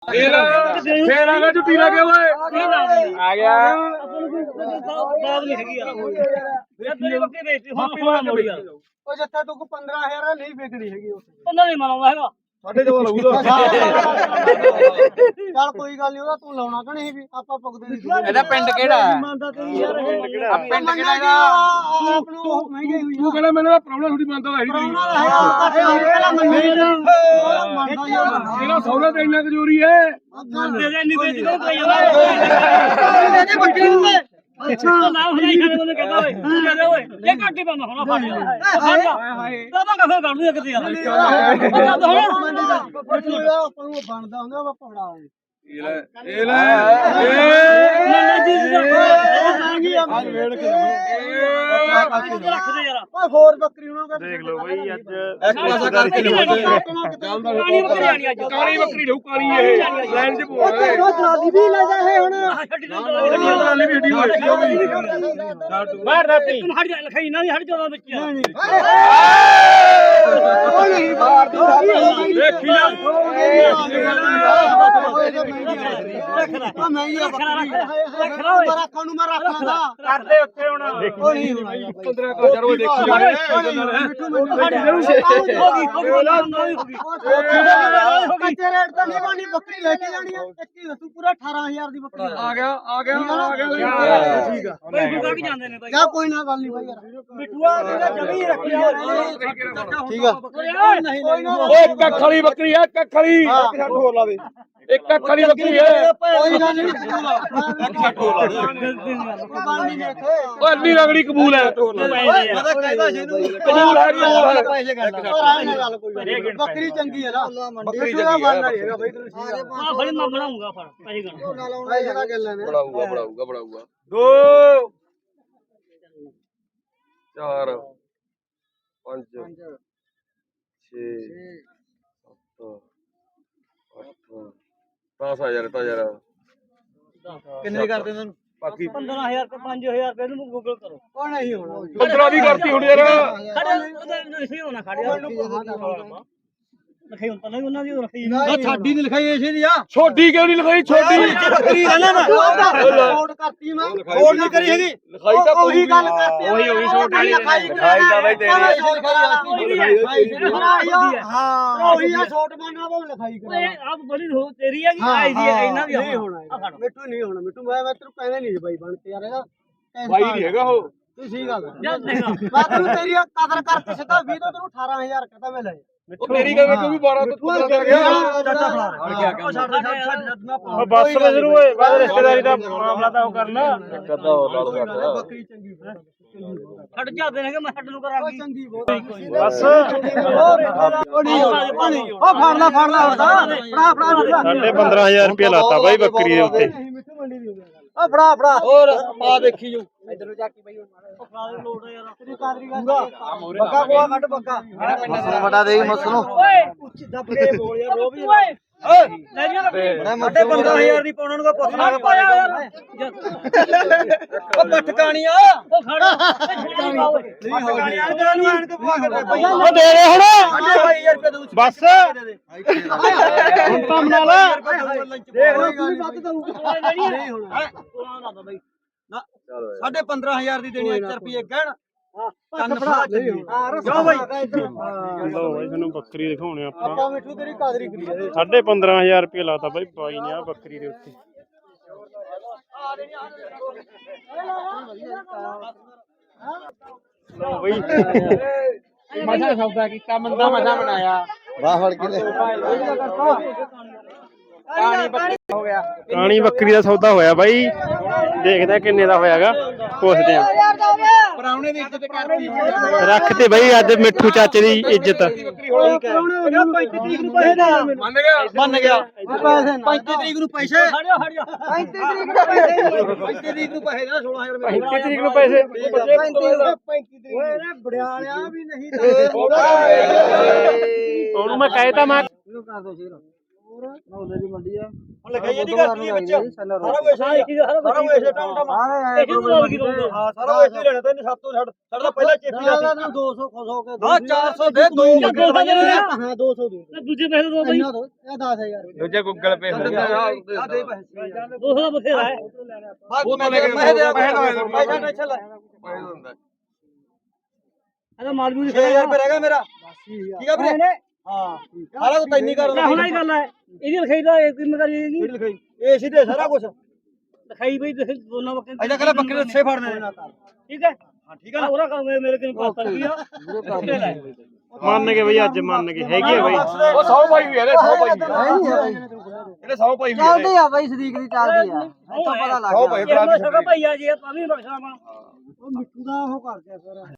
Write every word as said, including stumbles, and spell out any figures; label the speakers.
Speaker 1: ਫੇਰ ਆ ਗਿਆ ਝੁੱਟੀ ਲਾ ਕੇ ਓਏ ਆ ਗਿਆ
Speaker 2: ਬਾਤ ਨਹੀਂ ਹੈਗੀ ਯਾਰ ਯਾਰ ਤੇਰੀ ਬੱਕਰੀ ਵੇਚੀ ਹੁਣ ਪੂਰਾ ਮੋੜੀ ਯਾਰ
Speaker 3: ਉਹ ਜੱਟਾ ਤੂੰ ਕੋ ਪੰਦਰਾਂ ਹਜ਼ਾਰ ਨਹੀਂ ਵੇਚਣੀ ਹੈਗੀ ਉਸ
Speaker 2: ਪੰਦਰਾਂ ਨਹੀਂ ਮਨਾਉਂਦਾ ਹੈਗਾ
Speaker 3: ਸਾਡੇ ਤੇ ਲੱਗੂਗਾ ਚੱਲ ਕੋਈ ਗੱਲ ਨਹੀਂ ਉਹਦਾ ਤੂੰ ਲਾਉਣਾ ਕਿ ਨਹੀਂ ਵੀ ਆਪਾਂ ਪੁੱਗਦੇ ਨਹੀਂ
Speaker 1: ਇਹਦਾ ਪਿੰਡ ਕਿਹੜਾ ਹੈ
Speaker 3: ਮੰਨਦਾ ਤੇਰੀ ਯਾਰ
Speaker 1: ਆ ਪਿੰਡ ਕਿਹੜਾ ਹੈਗਾ
Speaker 3: ਆਪ ਨੂੰ ਮਹਿੰਗੀ ਹੋਈ
Speaker 1: ਤੂੰ ਕਹਿੰਦਾ ਮੈਨੂੰ ਪ੍ਰੋਬਲਮ ਥੋੜੀ ਮੰਨਦਾ ਹੈ
Speaker 3: ਪਹਿਲਾਂ ਮੰਨੀ ਮੰਨਦਾ ਯਾਰ
Speaker 1: ਇਹਦਾ ਸੌਦਾ ਤੇ ਇੰਨਾ ਕਜੂਰੀ ਹੈ
Speaker 2: ਦੇ ਦੇ ਨਹੀਂ ਵੇਚੀ ਕੋਈ ਯਾਰ
Speaker 3: ਦੇ ਬੱਕਰੀ ਨੂੰ
Speaker 2: ਅੱਛਾ ਨਾ ਹੁਣੇ ਖਾਣੇ ਨੂੰ ਕਹਿੰਦਾ ਓਏ ਕਹਿੰਦਾ ਓਏ ਇਹ ਘੱਟ ਹੀ ਪਾਉਂਦਾ ਹੁਣ ਫੜ ਜਾ ਫੜ ਜਾ ਦਾਦਾ ਕਫੇ ਕੱਢ ਲਿਆ ਕਿਤੇ ਯਾਰ ਅੱਛਾ ਹੁਣ
Speaker 3: ਆਪਾਂ ਨੂੰ ਬਣਦਾ ਹੁੰਦਾ ਆਪਾਂ ਫੜਾਉਂਗੇ
Speaker 1: ਇਹ ਲੈ ਇਹ ਲੈ
Speaker 2: ਨਾ ਜੀ
Speaker 3: ਅੱਜ ਵੇੜ ਕੇ
Speaker 2: ਰੱਖ ਦੇ ਯਾਰ
Speaker 3: ਓਏ ਹੋਰ ਬੱਕਰੀ ਉਹਨਾਂ ਦਾ
Speaker 1: ਦੇਖ ਲਓ ਬਈ ਅੱਜ
Speaker 2: ਇੱਕ ਪਾਸਾ ਕਰਕੇ ਕਾਲੀ ਬੱਕਰੀ ਆਣੀ ਅੱਜ
Speaker 1: ਕਾਲੀ ਬੱਕਰੀ ਲਊ ਕਾਲੀ ਇਹ ਲਾਈਨ ਚ ਪਵਾ ਦੇ
Speaker 3: ਜਨਾਦੀ ਵੀ ਲੈ ਜਾ ਇਹ ਹੁਣ
Speaker 2: ਛੱਡ ਦੇ
Speaker 1: ਟਰਾਲੀ ਵੀ ਢੀ ਹੋਈ ਉਹ ਵੀ ਬਾਹਰ ਰਾਤੀ
Speaker 2: ਹਟ ਜਾ ਲਖਾਈ ਨਾ ਹਟ ਜਾ ਵਿੱਚ
Speaker 3: ਉਹ ਨਹੀਂ ਮਾਰ ਦੀ
Speaker 1: ਦੇਖੀ ਲੈ
Speaker 3: ਉਹ ਮਹਿੰਗੀ
Speaker 2: ਰੱਖ
Speaker 3: ਬੱਕਰੀ
Speaker 2: ਲਾ ਓਏ
Speaker 3: ਰੱਖਾਂ ਨੂੰ ਮੈਂ ਰੱਖਦਾ
Speaker 1: ਕਰਦੇ ਉੱਥੇ ਹੁਣ
Speaker 3: ਉਹ ਨਹੀਂ ਹੋਣਾ
Speaker 1: ਪੰਦਰਾਂ ਹਜ਼ਾਰ ਉਹ ਦੇਖੀ ਜਾਣੇ
Speaker 2: ਹੋ ਗਈ ਹੋ ਗਈ
Speaker 3: ਕੱਚੇ ਰੇਟ ਤਾਂ ਨਹੀਂ ਬਣੀ ਬੱਕਰੀ ਲੈ ਕੇ ਜਾਣੀ ਹੈ ਇੱਕੀ ਦੱਸੂ ਪੂਰਾ ਅਠਾਰਾਂ ਹਜ਼ਾਰ ਦੀ ਬੱਕਰੀ
Speaker 1: ਆ ਗਿਆ ਆ ਗਿਆ ਆ ਗਿਆ ਠੀਕ ਆ
Speaker 2: ਬਈ ਫੁਕਾ ਕੇ ਜਾਂਦੇ ਨੇ ਬਾਈ
Speaker 3: ਜਾ ਕੋਈ ਨਾ ਗੱਲ ਨਹੀਂ ਬਾਈ ਯਾਰ
Speaker 2: ਮਿੱਠੂਆ ਤੇਰਾ ਜਮੀ ਰੱਖੀ
Speaker 3: ਠੀਕ ਆ
Speaker 2: ਨਹੀਂ
Speaker 3: ਕੋਈ ਨਾ
Speaker 1: ਓਏ ਕੱਖ ਵਾਲੀ ਬੱਕਰੀ ਆ ਕੱਖ ਵਾਲੀ
Speaker 3: ਛੱਡ ਹੋਰ ਲਾ ਦੇ
Speaker 1: ਇੱਕ ਕੱਖ ਵਾਲੀ ਬੱਕਰੀ ਹੈ
Speaker 3: ਕੋਈ ਗੱਲ ਨਹੀਂ ਛੱਡ ਹੋਰ ਲਾ ਦੇ ਗੱਲ ਨਹੀਂ ਇੱਥੇ
Speaker 1: ਓਏ ਇੰਨੀ ਰਗੜੀ ਕਬੂਲ ਹੈ
Speaker 3: ਮੈਂ ਤਾਂ ਕਹਿੰਦਾ ਸੀ ਇਹਨੂੰ
Speaker 1: ਕਬੂਲ ਹੈ ਕਬੂਲ ਹੈ
Speaker 3: ਪੈਸੇ ਕਰਨਾ ਗੱਲ ਕੋਈ ਬੱਕਰੀ ਚੰਗੀ ਹੈ ਨਾ ਬੱਕਰੀ ਚੰਗੀ ਹੈ ਬਾਈ ਤੈਨੂੰ ਠੀਕ ਆ
Speaker 2: ਹਾਂ ਬੜੀ ਮੈਂ ਬਣਾਉਂਗਾ ਫੜ ਪੈਸੇ ਗਣ
Speaker 3: ਪੈਸੇ ਦਾ ਗੱਲ ਨੇ
Speaker 1: ਬਣਾਊਗਾ ਬਣਾਊਗਾ ਬਣਾਊਗਾ ਦੋ ਚਾਰ ਪੰਜ ਛੇ ਸੱਤ ਅੱਠ ਦਸ ਹਜ਼ਾਰ ਤਾਂ ਯਾਰ
Speaker 3: ਕਿੰਨੇ ਕਰਦੇ ਤੁਹਾਨੂੰ
Speaker 1: ਬਾਕੀ
Speaker 2: ਪੰਦਰਾਂ ਹਜ਼ਾਰ ਤੇ ਪੰਜ ਹਜ਼ਾਰ ਰੁਪਏ ਨੂੰ ਗੂਗਲ ਕਰੋ
Speaker 3: ਉਹ ਨਹੀਂ ਹੋਣਾ
Speaker 1: ਪੰਦਰਾਂ ਵੀ ਕਰਤੀ ਹੁਣ ਯਾਰ
Speaker 2: ਖੜੇ ਉਹਦਾ ਨਹੀਂ ਹੋਣਾ ਖੜਿਆ ਲਖਾਈ ਹੁੰਦਾ ਨਹੀਂ ਉਹਨਾਂ ਦੀ ਲਖਾਈ
Speaker 3: ਨਾ ਸਾਡੀ ਨਹੀਂ ਲਿਖਾਈ ਇਸੇ ਦੀ ਆ
Speaker 1: ਛੋਟੀ ਕਿਉਂ ਨਹੀਂ ਲਿਖਾਈ ਛੋਟੀ
Speaker 3: ਬੱਕਰੀ ਹੈ ਨਾ ਕੋਡ ਕਰਤੀ ਮੈਂ ਕੋਡ ਨਹੀਂ ਕਰੀ ਹੈਗੀ
Speaker 1: ਲਿਖਾਈ ਤਾਂ
Speaker 3: ਉਹੀ ਗੱਲ ਕਰਤੀ
Speaker 1: ਉਹੀ ਉਹੀ ਛੋਟੀ
Speaker 3: ਲਿਖਾਈ
Speaker 1: ਤਾਂ ਬਈ ਤੇਰੀ
Speaker 3: ਹਾਂ ਉਹੀ ਆ ਛੋਟ ਮਾਨਾ ਉਹ ਲਿਖਾਈ
Speaker 2: ਓਏ
Speaker 3: ਕਰਾ
Speaker 2: ਆਪ ਬੜੀ ਹੋ ਤੇਰੀ ਹੈ ਕਿ ਆਈ ਦੀ ਹੈ ਇਹਨਾਂ ਦੀ
Speaker 3: ਨਹੀਂ ਹੋਣਾ ਮਿੱਠੂ ਨਹੀਂ ਹੋਣਾ ਮਿੱਠੂ ਮੈਂ ਮੈਂ ਤੈਨੂੰ ਕਹਿੰਦਾ ਨਹੀਂ ਬਾਈ ਬਣ ਕੇ ਯਾਰ ਇਹਦਾ
Speaker 1: ਬਾਈ ਨਹੀਂ ਹੈਗਾ ਉਹ
Speaker 3: ਤੂੰ ਸਹੀ ਗੱਲ
Speaker 2: ਜਦ ਦੇਖਾ
Speaker 3: ਮੈਂ ਤੈਨੂੰ ਤੇਰੀ ਕਦਰ ਕਰਕੇ ਸਿੱਧਾ ਵੀਹ ਤੋਂ ਤੈਨੂੰ ਅਠਾਰਾਂ ਹਜ਼ਾਰ ਕਹਤਾ ਮੈਂ ਲੈ
Speaker 1: ਉਹ ਤੇਰੀ ਗੱਲ ਕੋਈ ਵੀ ਬਾਰਾਂ ਤੋਂ ਪੰਦਰਾਂ ਕਰ ਗਿਆ
Speaker 3: ਚਾਚਾ ਫੜਾ ਛੱਡ ਛੱਡ ਛੱਡ ਨਾ ਪਾ
Speaker 1: ਬਸ ਲੈ ਜਰੂ ਓਏ ਬਾਅਦ ਰਿਸ਼ਤੇਦਾਰੀ ਦਾ ਮਾਮਲਾ ਤਾਂ ਉਹ ਕਰਨਾ ਕਦਾ ਉਹ ਲਾਲੂ ਕਰਦਾ
Speaker 3: ਬੱਕਰੀ ਚੰਗੀ
Speaker 2: ਛੱਡ ਜਾਂਦੇ ਨੇ ਕਿ ਮੈਂ ਛੱਡ ਨੂੰ ਕਰਾਂਗੀ
Speaker 3: ਚੰਗੀ ਬਹੁਤ
Speaker 1: ਬਸ
Speaker 3: ਉਹ ਨਹੀਂ ਉਹ ਫੜ ਲੈ ਫੜ ਲੈ ਫੜਾ ਫੜਾ
Speaker 1: ਸਾਡੇ ਪੰਦਰਾਂ ਹਜ਼ਾਰ ਰੁਪਏ ਲਾਤਾ ਬਾਈ ਬੱਕਰੀ ਦੇ ਉੱਤੇ
Speaker 3: ਮਿੱਠੂ ਮੰਡੀ ਦੀ ਆ ਫੜਾ ਫੜਾ ਹੋਰ ਪਾ ਦੇਖੀ ਜੋ ਇਧਰ ਨੂੰ ਚੱਕੀ ਬਈ
Speaker 2: ਉਹ ਫੜਾ ਦੇ ਲੋੜ ਯਾਰ
Speaker 3: ਤੇਰੀ ਕਾਦਰੀ ਗੱਲ ਬੱਕਾ ਕੋਆ ਕੱਢ ਬੱਕਾ
Speaker 4: ਮਸਲ ਵਟਾ ਦੇ ਮਸਲ ਨੂੰ
Speaker 2: ਓਏ
Speaker 3: ਉੱਚੀ ਦੱਬ ਕੇ ਬੋਲ ਯਾਰ ਰੋ ਵੀ
Speaker 2: ਓਏ ਲੈ ਜੀ
Speaker 3: ਸਾਡੇ ਪੰਦਰਾਂ ਹਜ਼ਾਰ ਦੀ ਪਾਉਣਾ ਨੂੰ ਪੁੱਛਣਾ
Speaker 2: ਪਾਇਆ ਯਾਰ
Speaker 3: ਉਹ ਪਟਕਾਣੀਆ
Speaker 2: ਉਹ ਖੜਾ ਨਹੀਂ
Speaker 3: ਉਹ
Speaker 1: ਉਹ ਦੇ ਦੇ ਹੁਣ ਬਸ
Speaker 3: ਹੁਣ ਤਾਂ ਮਨਾ ਲਾ ਦੇਖ ਲਓ ਕੋਈ ਵੱਧ ਦਊਗਾ ਨਹੀਂ ਹੋਣਾ ਸਾਢੇ ਪੰਦਰਾਂ ਹਜ਼ਾਰ ਦੀ ਦੇਣੀ ਇੱਕ ਰੁਪਏ ਕਹਿਣ ਕੰਨ ਫੜਾ ਕਿਉਂ ਬਾਈ
Speaker 1: ਲੋ ਬਾਈ ਤੁਹਾਨੂੰ ਬੱਕਰੀ ਦਿਖਾਉਣੇ ਆਪਾਂ
Speaker 3: ਆਪਾਂ ਮਿੱਠੂ ਤੇਰੀ ਕਾਦਰੀ ਕਰੀ ਜਾਂਦੇ
Speaker 1: ਸਾਢੇ ਪੰਦਰਾਂ ਹਜ਼ਾਰ ਰੁਪਏ ਲਾਤਾ ਬਾਈ ਬਾਈ ਨੇ ਆ ਬੱਕਰੀ ਦੇ ਉੱਤੇ ਲੋ ਬਈ ਮਜ਼ਾ ਸੌਦਾ ਕੀਤਾ ਮੰਦਾ ਮਜ਼ਾ ਬਣਾਇਆ
Speaker 4: ਵਾਹ ਫੜ ਕੇ ਲੈ
Speaker 3: ਕਾਣੀ ਬੱਕਰੀ ਹੋ ਗਿਆ
Speaker 1: ਰਾਣੀ ਬੱਕਰੀ ਦਾ ਸੌਦਾ ਹੋਇਆ ਬਾਈ ਦੇਖਦੇ ਆ ਕਿੰਨੇ ਦਾ ਹੋਇਆਗਾ ਪੁੱਛਦੇ ਆ
Speaker 3: ਪਰਾਉਣੇ ਦੀ ਇੱਜ਼ਤ ਕਰਨੀ
Speaker 1: ਰੱਖ ਤੇ ਬਾਈ ਅੱਜ ਮਿੱਠੂ ਚਾਚੇ ਦੀ ਇੱਜ਼ਤ
Speaker 3: ਪੈਂਤੀ ਤਰੀਕ ਨੂੰ ਪੈਸੇ ਦੇ
Speaker 1: ਮੰਨ ਗਿਆ
Speaker 3: ਮੰਨ ਗਿਆ ਪੈਸੇ ਪੈਂਤੀ ਤਰੀਕ ਨੂੰ ਪੈਸੇ
Speaker 2: ਹੜਿਓ ਹੜਿਓ
Speaker 3: ਪੈਂਤੀ ਤਰੀਕ ਨੂੰ ਪੈਸੇ ਪੈਂਤੀ ਤਰੀਕ ਨੂੰ ਪੈਸੇ ਦਾ ਸੋਲਾਂ ਹਜ਼ਾਰ
Speaker 1: ਪੈਂਤੀ ਤਰੀਕ ਨੂੰ ਪੈਸੇ
Speaker 3: ਪੈਂਤੀ ਤਰੀਕ ਓਏ ਰੇ ਬੜਿਆਲਿਆ ਵੀ ਨਹੀਂ ਦੇ
Speaker 1: ਉਹਨੂੰ ਮੈਂ ਕਹਿਤਾ ਮੈਂ
Speaker 3: ਇਹਨੂੰ ਕਰ ਦੋ ਸ਼ੇਰ ਨੌਲੇ ਦੀ ਮੰਡੀ ਆ
Speaker 5: ਹੁਣ ਲਿਖਾਈ ਇਹਦੀ ਕਰਤੀ ਵਿੱਚ ਸਾਰਾ ਕੁਝ
Speaker 2: ਸਾਰਾ ਇੱਕ ਸਾਰਾ
Speaker 5: ਸਾਰਾ ਕੁਝ ਟਮ ਟਮ
Speaker 2: ਇਹ ਕਿਹਨੂੰ ਲੋੜ ਕੀ ਕਰੂੰਗਾ
Speaker 5: ਹਾਂ ਸਾਰਾ ਕੁਝ ਹੀ ਲੈਣਾ ਤੈਨੂੰ ਸੱਤ ਤੋਂ ਛੱਡ ਸਾਡਾ ਪਹਿਲਾਂ ਚੇਪੀ ਦਾ
Speaker 3: ਨਾ ਦੋ ਸੌ ਖੁਸ਼ ਹੋ ਕੇ
Speaker 5: ਹਾਂ ਚਾਰ ਸੌ ਦੇ ਦੋ
Speaker 3: ਹਾਂ ਦੋ ਸੌ ਦੇ
Speaker 2: ਦੂਜੇ ਪੈਸੇ ਦੋ ਬਈ
Speaker 3: ਇੰਨਾ ਦੋ ਇਹ ਦਸ ਹਜ਼ਾਰ
Speaker 1: ਦੂਜੇ ਗੂਗਲ ਪੇ ਹੋ ਗਿਆ
Speaker 5: ਆ ਦੇ ਪੈਸੇ
Speaker 2: ਦੋ ਸੌ ਦਾ ਬਥੇਰਾ ਹੈ
Speaker 5: ਉਹ ਤਾਂ ਲੈ ਕੇ ਪੈਸੇ ਦੇ ਪੈਸਾ ਟੈਨਸ਼ਨ ਲੈ
Speaker 2: ਇਹਦਾ ਮਾਲ ਵੀ
Speaker 5: ਛੇ ਹਜ਼ਾਰ ਰੁਪਏ ਰਹਿ ਗਿਆ ਮੇਰਾ ਠੀਕ ਆ ਵੀਰੇ ਹਾਂ ਸਾਰਾ ਕੁਝ ਤੈਨੂੰ ਕਰ
Speaker 2: ਹੁਣ ਹੀ ਗੱਲ ਹੈ ਇਹਦੀ ਲਿਖਾਈ ਦਾ ਇੱਕ ਕਿੰਨੇ ਕਰੀ ਜੀ
Speaker 5: ਕਿਹੜੀ ਲਿਖਾਈ ਇਹ ਸਿੱਧੇ ਸਾਰਾ ਕੁਝ
Speaker 2: ਲਿਖਾਈ ਬਈ ਤੁਸੀਂ ਦੋਨਾਂ ਬੱਕਰੇ
Speaker 5: ਅਜਾ ਕਹਿੰਦਾ ਬੱਕਰੇ ਦੇ ਛੇ ਫੜਨੇ ਨੇ
Speaker 2: ਠੀਕ ਹੈ ਹਾਂ ਠੀਕ ਹੈ ਉਹਰਾ ਕਰ ਮੇਰੇ ਕਿੰਨੇ ਪਾਸ ਰੁਪਿਆ
Speaker 1: ਮੰਨ ਗਏ ਬਈ ਅੱਜ ਮੰਨ ਗਏ ਹੈਗੀ ਆ ਬਈ
Speaker 5: ਉਹ ਸੌ ਪਾਈ ਹੋਈ ਇਹਦੇ ਸੌ ਪਾਈ ਹੋਈ ਇਹਦੇ ਸੌ ਪਾਈ ਹੋਈ
Speaker 3: ਚੱਲਦੀ ਆ ਬਾਈ ਸਦੀਕ ਦੀ ਚੱਲਦੀ ਆ ਇੱਥੋਂ ਪਤਾ ਲੱਗ
Speaker 5: ਸੌ
Speaker 3: ਗਿਆ
Speaker 5: ਪਾਈ
Speaker 2: ਇਹ ਮੈਂ ਸਕਾ ਭਈਆ ਜੀ ਤਾਂ ਵੀ ਬਖਸ਼ਾਵਾਂ
Speaker 3: ਉਹ ਮਿੱਠੂ ਦਾ ਉਹ ਕਰ ਗਿਆ ਫਿਰ